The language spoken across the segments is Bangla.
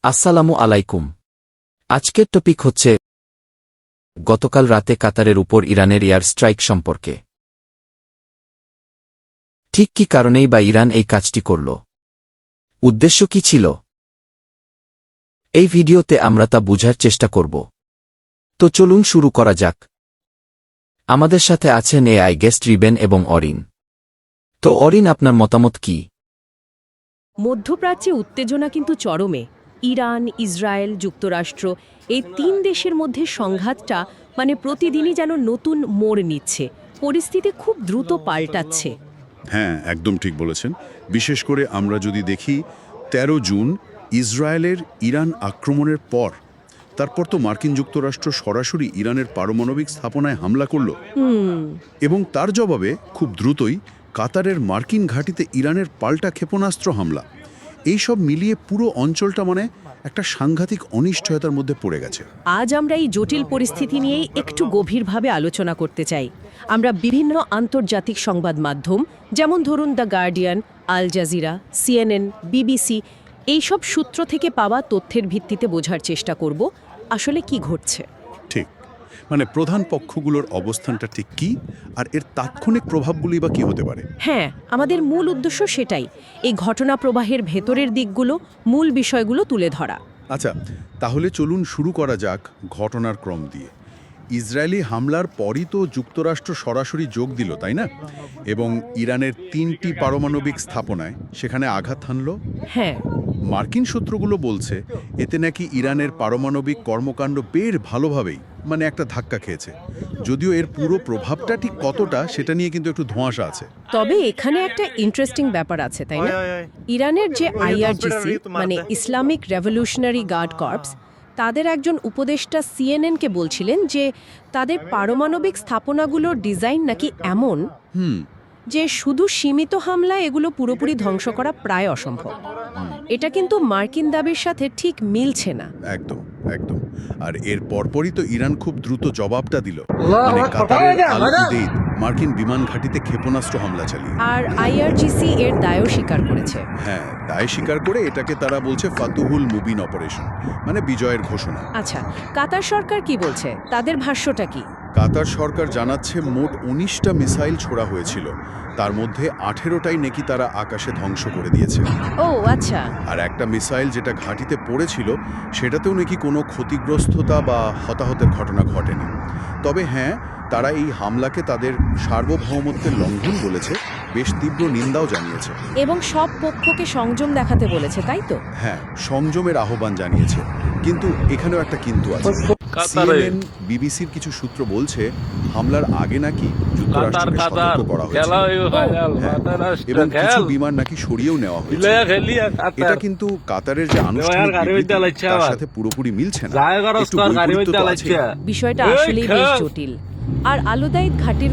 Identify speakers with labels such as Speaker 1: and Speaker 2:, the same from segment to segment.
Speaker 1: আসসালামু আলাইকুম। আজকের টপিক হচ্ছে গতকাল রাতে কাতারের উপর ইরানের এয়ার স্ট্রাইক সম্পর্কে। ঠিক কি কারণেই বা ইরান এই কাজটি করল? উদ্দেশ্য কি ছিল? এই ভিডিওতে আমরা তা বুঝার চেষ্টা করব। তো চলুন শুরু করা যাক। আমাদের সাথে আছেন এআই গেস্ট রিবেন এবং অরিন। তো অরিন, আপনার মতামত কি?
Speaker 2: মধ্যপ্রাচ্যে উত্তেজনা কিন্তু চরমে। ইরান, ইসরায়েল, যুক্তরাষ্ট্র এই তিন দেশের মধ্যে সংঘাতটা প্রতিদিনই যেন নতুন মোড় নিচ্ছে। পরিস্থিতি খুব দ্রুত পাল্টাচ্ছে।
Speaker 3: হ্যাঁ, একদম ঠিক বলেছেন। বিশেষ করে আমরা যদি দেখি ১৩ জুন ইসরায়েলের ইরান আক্রমণের পর, তারপর তো মার্কিন যুক্তরাষ্ট্র সরাসরি ইরানের পারমাণবিক স্থাপনায় হামলা করল এবং তার জবাবে খুব দ্রুতই কাতারের মার্কিন ঘাঁটিতে ইরানের পাল্টা ক্ষেপণাস্ত্র হামলা। এই সব মিলিয়ে পুরো অঞ্চলটা একটা সাংঘাতিক অনিশ্চয়তার মধ্যে পড়ে গেছে।
Speaker 2: আজ আমরা এই জটিল পরিস্থিতি নিয়েই একটু গভীরভাবে আলোচনা করতে চাই। আমরা বিভিন্ন আন্তর্জাতিক সংবাদ মাধ্যম, যেমন ধরুন the Guardian, Al Jazeera, CNN, BBC, এইসব সূত্র থেকে পাওয়া তথ্যের ভিত্তিতে বোঝার চেষ্টা করব আসলে কি ঘটছে।
Speaker 3: ঠিক, প্রধান পক্ষগুলোর অবস্থানটা ঠিক কি, আর এর তাৎক্ষণিক প্রভাবগুলি বা কি হতে পারে।
Speaker 2: হ্যাঁ, আমাদের মূল উদ্দেশ্য সেটাই, এই ঘটনা প্রবাহের ভেতরের দিকগুলো, মূল বিষয়গুলো তুলে ধরা।
Speaker 3: আচ্ছা, তাহলে চলুন শুরু করা যাক ঘটনার ক্রম দিয়ে। ইসরায়েলি হামলার পরই তো যুক্তরাষ্ট্র সরাসরি যোগ দিল, তাই না? এবং ইরানের ৩টি পারমাণবিক স্থাপনায় সেখানে আঘাত হানল।
Speaker 2: হ্যাঁ,
Speaker 3: মার্কিন সূত্রগুলো বলছে এতে নাকি ইরানের পারমাণবিক কর্মকাণ্ড বের ভালোভাবেই একটা ধাক্কা খেয়েছে। যদিও এর পুরো প্রভাবটা ঠিক কতটা সেটা নিয়ে কিন্তু একটু ধোঁয়াশা আছে।
Speaker 2: তবে এখানে একটা ইন্টারেস্টিং ব্যাপার আছে, তাই না? ইরানের যে IRGC Islamic revolutionary guard corps, তাদের একজন উপদেষ্টা সিএনএনকে বলছিলেন যে তাদের পারমাণবিক স্থাপনাগুলোর ডিজাইন নাকি এমন যে শুধু সীমিত হামলায় এগুলো পুরোপুরি ধ্বংস করা প্রায় অসম্ভব। এটা কিন্তু মার্কিন দাবির সাথে ঠিক মিলছে না।
Speaker 3: একদম একদম। আর এর পরপরই তো ইরান খুব দ্রুত জবাবটা দিল। কাতারের আল উদেইদ মার্কিন বিমান ঘাঁটিতে ক্ষেপণাস্ত্র হামলা চালিয়ে।
Speaker 2: আর আইআরজিসি এর দায়ও স্বীকার করেছে।
Speaker 3: হ্যাঁ, দায় স্বীকার করে এটাকে তারা বলছে ফাতুহুল মুবিন অপারেশন, বিজয়ের ঘোষণা।
Speaker 2: আচ্ছা, কাতার সরকার কি বলছে? তাদের ভাষ্যটা কি?
Speaker 3: কাতার সরকার জানাচ্ছে মোট ১৯টা মিসাইল ছোড়া হয়েছিল, তার মধ্যে 18টাই নাকি তারা আকাশে ধ্বংস করে দিয়েছে।
Speaker 2: ও আচ্ছা।
Speaker 3: আর একটা মিসাইল যেটা ঘাঁটিতে পড়েছিল সেটাতেও নাকি কোনো ক্ষতিগ্রস্ততা বা হতাহতের ঘটনা ঘটেনি। তবে হ্যাঁ, তারা এই হামলাকে তাদের সার্বভৌমত্বের লঙ্ঘন বলেছে, বেশ তীব্র নিন্দাও জানিয়েছে।
Speaker 2: এবং সব পক্ষকে সংযম দেখাতে বলেছে, তাই তো?
Speaker 3: হ্যাঁ, সংযমের আহ্বান জানিয়েছে। কিন্তু এখানেও একটা কিন্তু আছে। সিএনএন, বিবিসির কিছু সূত্র বলছে হামলার আগে নাকি যুক্তরাষ্ট্রকে সতর্ক করা হয়েছে এবং কিছু বিমান নাকি সরিয়েও নেওয়া হয়েছে। এটা কিন্তু কাতারের যে আনুষ্ঠানিক বিবৃতি তার সাথে পুরোপুরি মিলছে না। একটু বৈপরীত্য তো আছে।
Speaker 2: বিষয়টা আসলেই বেশ জটিল। আর আলুদাইদ ঘাটির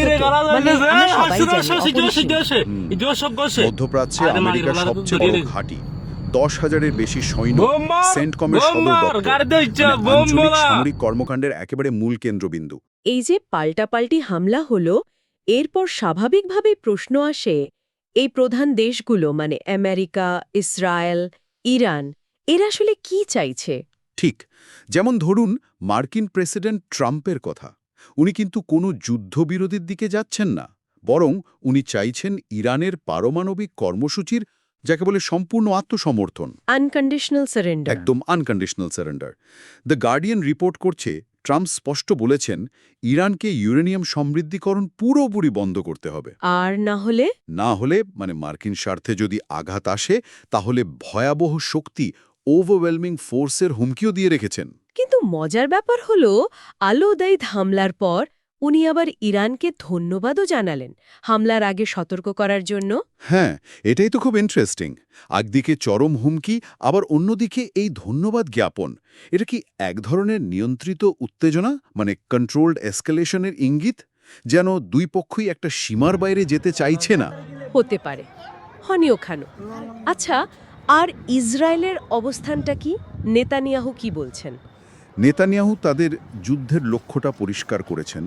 Speaker 3: মধ্যপ্রাচ্যে আমেরিকার সবচেয়ে বড় ঘাঁটি, ১০,০০০-এর বেশি সৈন্য, সেন্টকমের সদর দপ্তর, আঞ্চলিক সামরিক কর্মকাণ্ডের একেবারে মূল কেন্দ্রবিন্দু।
Speaker 2: এই যে পাল্টাপাল্টি হামলা হলো, এরপর স্বাভাবিকভাবেই প্রশ্ন আসে, এই প্রধান দেশগুলো আমেরিকা, ইসরায়েল, ইরান, এরা আসলে কি চাইছে?
Speaker 3: ঠিক, যেমন ধরুন মার্কিন প্রেসিডেন্ট ট্রাম্পের কথা। উনি কিন্তু কোনো যুদ্ধবিরতির দিকে যাচ্ছেন না, বরং উনি চাইছেন ইরানের পারমাণবিক কর্মসূচির, যাকে বলে সম্পূর্ণ আত্মসমর্থন,
Speaker 2: আনকন্ডিশনাল সারেন্ডার।
Speaker 3: একদম unconditional surrender. The Guardian report করছে ট্রাম্প স্পষ্ট বলেছেন ইরানকে ইউরেনিয়াম সমৃদ্ধিকরণ পুরোপুরি বন্ধ করতে হবে।
Speaker 2: আর না হলে
Speaker 3: মার্কিন স্বার্থে যদি আঘাত আসে তাহলে ভয়াবহ শক্তি, ওভারওয়েলমিং ফোর্সের হুমকিও দিয়ে রেখেছেন।
Speaker 2: কিন্তু মজার ব্যাপার হলো, আল-উদাইদ হামলার পর উনি আবার ইরানকে ধন্যবাদও জানালেন হামলার আগে সতর্ক করার জন্য।
Speaker 3: হ্যাঁ, এটাই তো খুব ইন্টারেস্টিং। একদিকে চরম হুমকি, আবার অন্যদিকে এই ধন্যবাদ জ্ঞাপন। এটা কি এক ধরনের নিয়ন্ত্রিত উত্তেজনা, কন্ট্রোলড এসকেলেশনের ইঙ্গিত, যেন দুই পক্ষই একটা সীমার বাইরে যেতে চাইছে না?
Speaker 2: হতে পারে, হনিও খানো। আচ্ছা, আর ইসরায়েলের অবস্থানটা কি? নেতানিয়াহু কি বলছেন?
Speaker 3: নেতানিয়াহু তাদের যুদ্ধের লক্ষ্যটা পরিষ্কার করেছেন।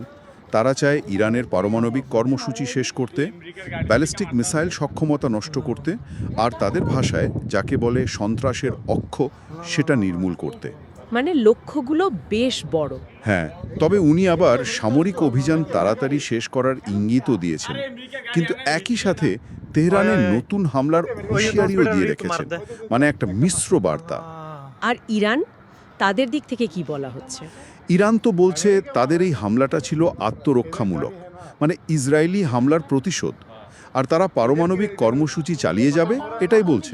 Speaker 3: তারা চায় ইরানের পারমাণবিক কর্মসূচি শেষ করতে, ব্যালিস্টিক মিসাইল সক্ষমতা নষ্ট করতে, আর তাদের ভাষায় যাকে বলে সন্ত্রাসের অক্ষ সেটা নির্মূল করতে।
Speaker 2: মানে লক্ষ্যগুলো বেশ বড়।
Speaker 3: হ্যাঁ, তবে উনি আবার সামরিক অভিযান তাড়াতাড়ি শেষ করার ইঙ্গিতও দিয়েছেন, কিন্তু একই সাথে তেহরানের নতুন হামলার হুঁশিয়ারিও দিয়ে রেখেছেন, মানে একটা মিশ্র বার্তা।
Speaker 2: আর ইরান, তাদের দিক থেকে কি বলা হচ্ছে?
Speaker 3: ইরান তো বলছে তাদের এই হামলাটা ছিল আত্মরক্ষামূলক, মানে ইসরায়েলি হামলার প্রতিশোধ, আর তারা পারমাণবিক কর্মসূচি চালিয়ে যাবে এটাই বলছে।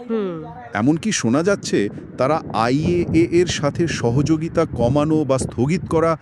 Speaker 3: এমনকি শোনা যাচ্ছে তারা আইএএ এর সাথে সহযোগিতা কমানো বা স্থগিত করা,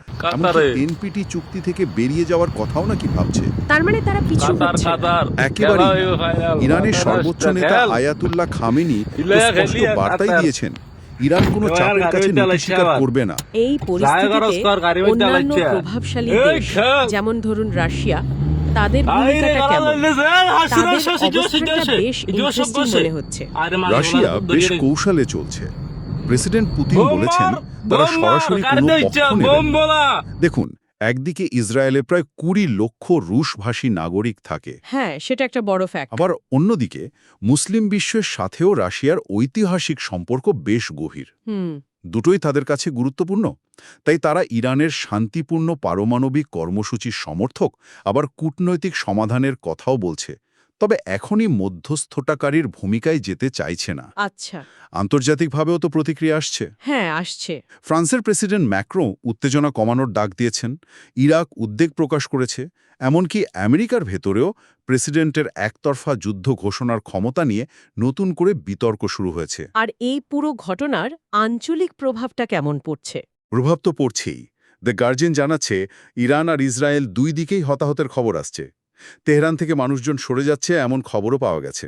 Speaker 3: এনপিটি চুক্তি থেকে বেরিয়ে যাওয়ার কথাও নাকি ভাবছে।
Speaker 2: তার মানে তারা পিছু হচ্ছে।
Speaker 3: একেবারে ইরানের সর্বোচ্চ নেতা আয়াতুল্লাহ খামেনি তো স্পষ্ট বার্তাই দিয়েছেন, ইরান কোনো চাপের কাছে নীতি স্বীকার করবে না।
Speaker 2: এই পরিস্থিতিতে অন্যান্য প্রভাবশালী দেশ, যেমন ধরুন রাশিয়া, তাদের ভূমিকাটা কেমন? তাদের অবস্থানটা বেশ ইন্টারেস্টিং মনে হচ্ছে।
Speaker 3: রাশিয়া বেশ কৌশলে চলছে। প্রেসিডেন্ট পুতিন বলেছেন তারা সরাসরি কোনো পক্ষ নেবেন না। দেখুন, একদিকে ইসরায়েলে প্রায় 20 লক্ষ রুশভাষী নাগরিক থাকে,
Speaker 2: হ্যাঁ, সেটা একটা বড় ফ্যাক্ট।
Speaker 3: আবার অন্যদিকে মুসলিম বিশ্বের সাথেও রাশিয়ার ঐতিহাসিক সম্পর্ক বেশ গভীর। দুটোই তাদের কাছে গুরুত্বপূর্ণ। তাই তারা ইরানের শান্তিপূর্ণ পারমাণবিক কর্মসূচির সমর্থক, আবার কূটনৈতিক সমাধানের কথাও বলছে, তবে এখনই মধ্যস্থতাকারীর ভূমিকায় যেতে চাইছে না।
Speaker 2: আচ্ছা,
Speaker 3: আন্তর্জাতিকভাবেও তো প্রতিক্রিয়া আসছে।
Speaker 2: হ্যাঁ, আসছে।
Speaker 3: ফ্রান্সের প্রেসিডেন্ট ম্যাক্রো উত্তেজনা কমানোর ডাক দিয়েছেন, ইরাক উদ্বেগ প্রকাশ করেছে, এমনকি আমেরিকার ভেতরেও প্রেসিডেন্টের একতরফা যুদ্ধ ঘোষণার ক্ষমতা নিয়ে নতুন করে বিতর্ক শুরু হয়েছে।
Speaker 2: আর এই পুরো ঘটনার আঞ্চলিক প্রভাবটা কেমন পড়ছে?
Speaker 3: প্রভাব তো পড়ছেই। দ্য গার্জিয়ান জানাচ্ছে ইরান আর ইসরায়েল দুই দিকেই হতাহতের খবর আসছে। তেহরান থেকে মানুষজন সরে যাচ্ছে এমন খবরও পাওয়া গেছে।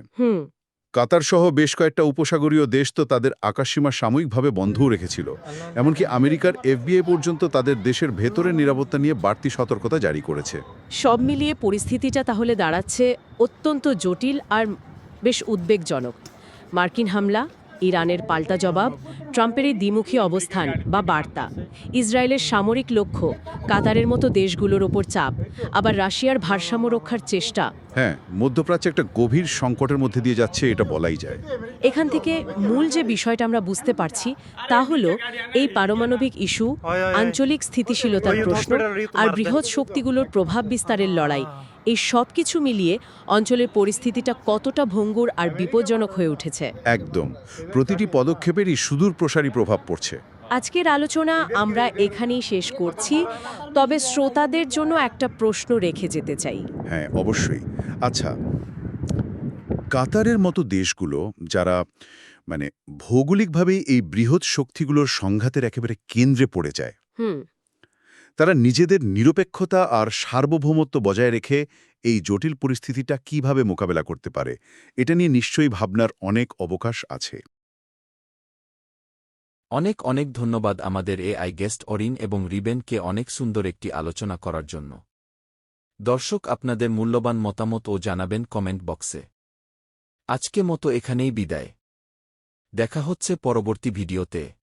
Speaker 3: কাতার সহ বেশ কয়েকটা উপসাগরীয় দেশ তো তাদের আকাশসীমা সাময়িকভাবে বন্ধও রেখেছিল। এমনকি আমেরিকার এফবিআই পর্যন্ত তাদের দেশের ভেতরের নিরাপত্তা নিয়ে বাড়তি সতর্কতা জারি করেছে।
Speaker 2: সব মিলিয়ে পরিস্থিতিটা তাহলে দাঁড়াচ্ছে অত্যন্ত জটিল আর বেশ উদ্বেগজনক। মার্কিন হামলা, ইরানের পাল্টা জবাব, ট্রাম্পের এই দ্বিমুখী অবস্থান বা বার্তা, ইসরায়েলের সামরিক লক্ষ্য, কাতারের মতো দেশগুলোর ওপর চাপ, আবার রাশিয়ার ভারসাম্য রক্ষার চেষ্টা।
Speaker 3: হ্যাঁ, মধ্যপ্রাচ্যে একটা গভীর সংকটের মধ্যে দিয়ে যাচ্ছে, এটা বলাই যায়।
Speaker 2: এখান থেকে মূল যে বিষয়টা আমরা বুঝতে পারছি তা হলো এই পারমাণবিক ইস্যু, আঞ্চলিক স্থিতিশীলতার প্রশ্ন আর বৃহৎ শক্তিগুলোর প্রভাব বিস্তারের লড়াই, এই সব কিছু মিলিয়ে অঞ্চলের পরিস্থিতিটা কতটা ভঙ্গুর আর বিপজ্জনক হয়ে উঠেছে।
Speaker 3: একদম, প্রতিটি পদক্ষেপেরই সুদূর প্রসারী প্রভাব পড়ছে।
Speaker 2: আজকের আলোচনা আমরা এখানেই শেষ করছি, তবে শ্রোতাদের জন্য একটা প্রশ্ন রেখে যেতে চাই।
Speaker 3: হ্যাঁ, অবশ্যই। আচ্ছা, কাতারের মতো দেশগুলো যারা ভৌগোলিকভাবেই এই বৃহৎ শক্তিগুলোর সংঘাতের একেবারে কেন্দ্রে পড়ে যায়, তারা নিজেদের নিরপেক্ষতা আর সার্বভৌমত্ব বজায় রেখে এই জটিল পরিস্থিতিটা কিভাবে মোকাবেলা করতে পারে, এটা নিয়ে নিশ্চয়ই ভাবনার অনেক অবকাশ আছে।
Speaker 1: অনেক অনেক ধন্যবাদ আমাদের এআই গেস্ট অরিন এবং রিবেনকে অনেক সুন্দর একটি আলোচনা করার জন্য। দর্শক, আপনাদের মূল্যবান মতামত ও জানাবেন কমেন্ট বক্সে। আজকে মতো এখানেই বিদায়। দেখা হচ্ছে পরবর্তী ভিডিওতে।